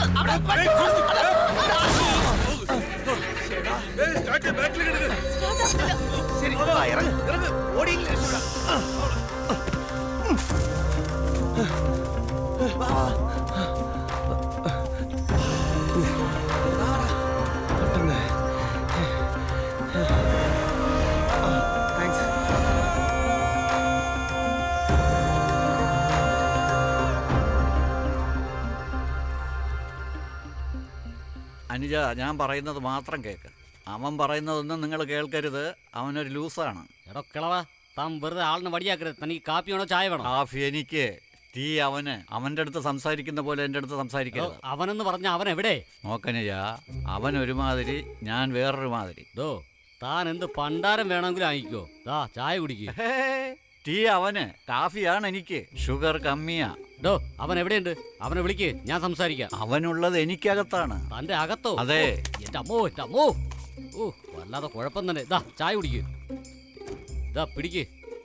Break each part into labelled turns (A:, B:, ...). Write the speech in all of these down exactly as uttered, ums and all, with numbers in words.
A: അനുജ, ഞാൻ പറയുന്നത് മാത്രം കേക്ക്. അവൻ പറയുന്നതൊന്നും നിങ്ങൾ കേൾക്കരുത്. അവനൊരു ലൂസാണ്.
B: എടോ കിളവാ, താൻ വെറുതെ ആളിനെ വടിയാക്കരുത്. തനിക്ക് കാപ്പി വേണോ ചായ വേണോ?
A: കാഫി എനിക്ക്, ടീ അവന്. അവൻ്റെ അടുത്ത് സംസാരിക്കുന്ന പോലെ എൻ്റെ അടുത്ത് സംസാരിക്കരുത്.
B: അവനെന്ന് പറഞ്ഞ അവൻ എവിടെ?
A: നോക്കനുജ, അവൻ ഒരുമാതിരി, ഞാൻ വേറൊരു മാതിരി.
B: ദോ, താൻ എന്ത് പണ്ടാരം വേണമെങ്കിലും ആയിക്കോ. ദാ ചായ കുടിക്കുക.
A: ടീ അവന്, കാഫിയാണ് എനിക്ക്. ഷുഗർ കമ്മിയാ.
B: ഡോ, അവൻ എവിടെയുണ്ട്? അവനെ വിളിക്ക്, ഞാൻ സംസാരിക്കാം.
A: അവനുള്ളത് എനിക്കകത്താണ്.
B: തന്റെ അകത്തോ?
A: അതെ.
B: എന്റെ അമ്മോ, എന്റെ അമ്മോ. ഓ, വല്ലാതെ കുഴപ്പം തന്നെ. ദാ ചായ കുടിക്ക്. ദാ പിടിക്ക്.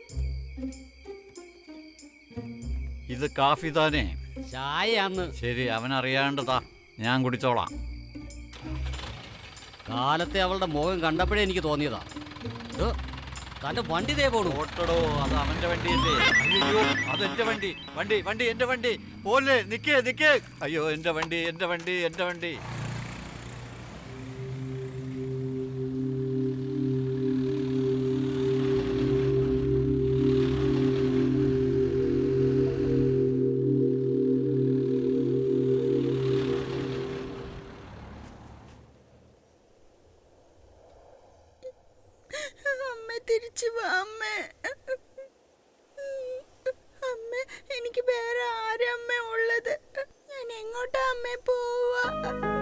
A: ഇത് കാഫി താനേ?
B: ചായയാന്ന്.
A: ശരി, അവനറിയാണ്ടതാ, ഞാൻ കുടിച്ചോളാം.
B: കാലത്തെ അവളുടെ മുഖം കണ്ടപ്പോഴേ എനിക്ക് തോന്നിയതാ. തന്റെ വണ്ടി ദേ പോണു.
A: ഓട്ടടോ, അത് അവന്റെ വണ്ടിയല്ലേ? അയ്യോ, അതെന്റെ വണ്ടി. വണ്ടി വണ്ടി എന്റെ വണ്ടി. പോലെ നിക്കേ നിക്കേ. അയ്യോ, എന്റെ വണ്ടി എന്റെ വണ്ടി എന്റെ വണ്ടി.
C: തിരിച്ചു വാ അമ്മേ. അമ്മ, എനിക്ക് വേറെ ആരമ്മ ഉള്ളത്? ഞാൻ എങ്ങോട്ടാ അമ്മേ പോവാ?